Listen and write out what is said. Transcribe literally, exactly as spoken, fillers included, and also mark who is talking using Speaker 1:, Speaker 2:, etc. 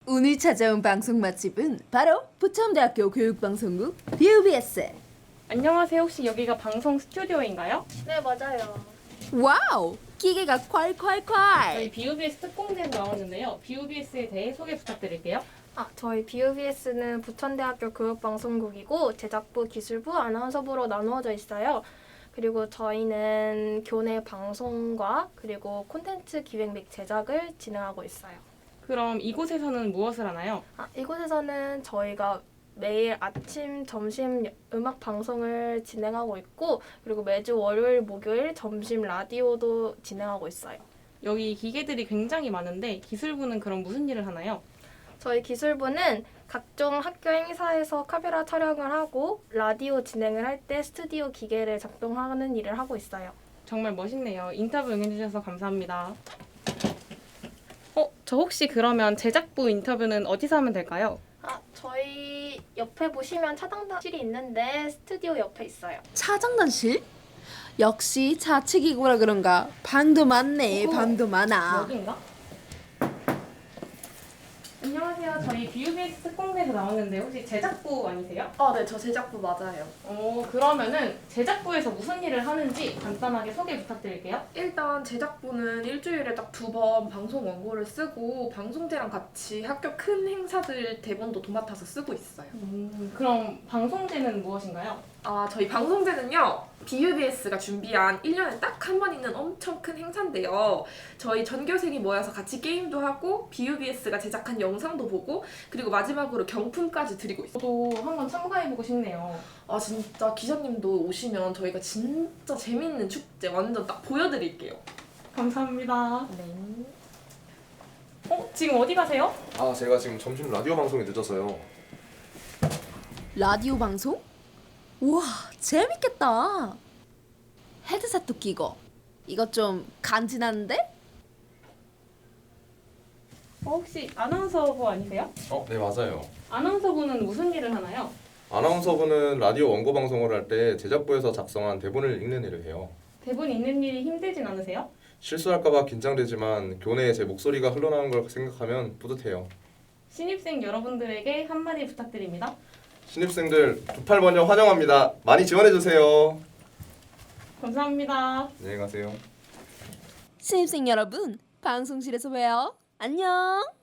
Speaker 1: 오늘 찾아온 방송 맛집은 바로 부천대학교 교육방송국 비유비에스.
Speaker 2: 안녕하세요. 혹시 여기가 방송 스튜디오인가요?
Speaker 3: 네, 맞아요.
Speaker 1: 와우! 기계가
Speaker 2: 저희
Speaker 1: 콸콸콸!
Speaker 2: 비유비에스 특공대에서 나왔는데요. 비유비에스에 대해 소개 부탁드릴게요.
Speaker 3: 아, 저희 비유비에스는 부천대학교 교육방송국이고 제작부, 기술부, 아나운서부로 나누어져 있어요. 그리고 저희는 교내 방송과 그리고 콘텐츠 기획 및 제작을 진행하고 있어요.
Speaker 2: 그럼 이곳에서는 무엇을 하나요?
Speaker 3: 아, 이곳에서는 저희가 매일 아침, 점심 음악 방송을 진행하고 있고 그리고 매주 월요일, 목요일 점심 라디오도 진행하고 있어요.
Speaker 2: 여기 기계들이 굉장히 많은데 기술부는 그럼 무슨 일을 하나요?
Speaker 3: 저희 기술부는 각종 학교 행사에서 카메라 촬영을 하고 라디오 진행을 할 때 스튜디오 기계를 작동하는 일을 하고 있어요.
Speaker 2: 정말 멋있네요. 인터뷰 응해주셔서 감사합니다. 어, 저 혹시 그러면 제작부 인터뷰는 어디서 하면 될까요?
Speaker 3: 아, 저희 옆에 보시면 차단실이 있는데 스튜디오 옆에 있어요.
Speaker 1: 차장단실? 역시 자치기구라 그런가 방도 많네.
Speaker 2: 어,
Speaker 1: 방도 많아.
Speaker 2: 여기인가? 안녕하세요. 저희 비유비에스 특공대에서 나왔는데 혹시 제작부 아니세요?
Speaker 4: 아, 네, 저 제작부 맞아요.
Speaker 2: 어, 그러면은 제작부에서 무슨 일을 하는지 간단하게 소개 부탁드릴게요.
Speaker 4: 일단 제작부는 일주일에 딱 두 번 방송 원고를 쓰고 방송제랑 같이 학교 큰 행사들 대본도 도맡아서 쓰고 있어요.
Speaker 2: 음, 그럼 방송제는 무엇인가요?
Speaker 4: 아, 저희 방송제는요, 비유비에스가 준비한 일 년에 딱 한 번 있는 엄청 큰 행사인데요. 저희 전교생이 모여서 같이 게임도 하고 비유비에스가 제작한 영상도 보고 그리고 마지막으로 경품까지 드리고 있어요.
Speaker 2: 저도 한번 참가해보고 싶네요.
Speaker 4: 아, 진짜 기자님도 오시면 저희가 진짜 재밌는 축제 완전 딱 보여드릴게요.
Speaker 2: 감사합니다.
Speaker 4: 네.
Speaker 2: 어? 지금 어디 가세요?
Speaker 5: 아, 제가 지금 점심 라디오 방송에 늦어서요.
Speaker 1: 라디오 방송? 우와, 재밌겠다. 헤드셋도 끼고. 이거 좀 간지나는데?
Speaker 2: 어, 혹시 아나운서부 아니세요?
Speaker 5: 어, 네, 맞아요.
Speaker 2: 아나운서부는 무슨 일을 하나요?
Speaker 5: 아나운서부는 라디오 원고 방송을 할 때 제작부에서 작성한 대본을 읽는 일을 해요.
Speaker 2: 대본 읽는 일이 힘들진 않으세요?
Speaker 5: 실수할까봐 긴장되지만 교내에 제 목소리가 흘러나오는 걸 생각하면 뿌듯해요.
Speaker 2: 신입생 여러분들에게 한마디 부탁드립니다.
Speaker 5: 신입생들 두 팔 번역 환영합니다. 많이 지원해주세요.
Speaker 2: 감사합니다.
Speaker 5: 안녕히 가세요.
Speaker 1: 신입생 여러분, 방송실에서 봬요. 안녕!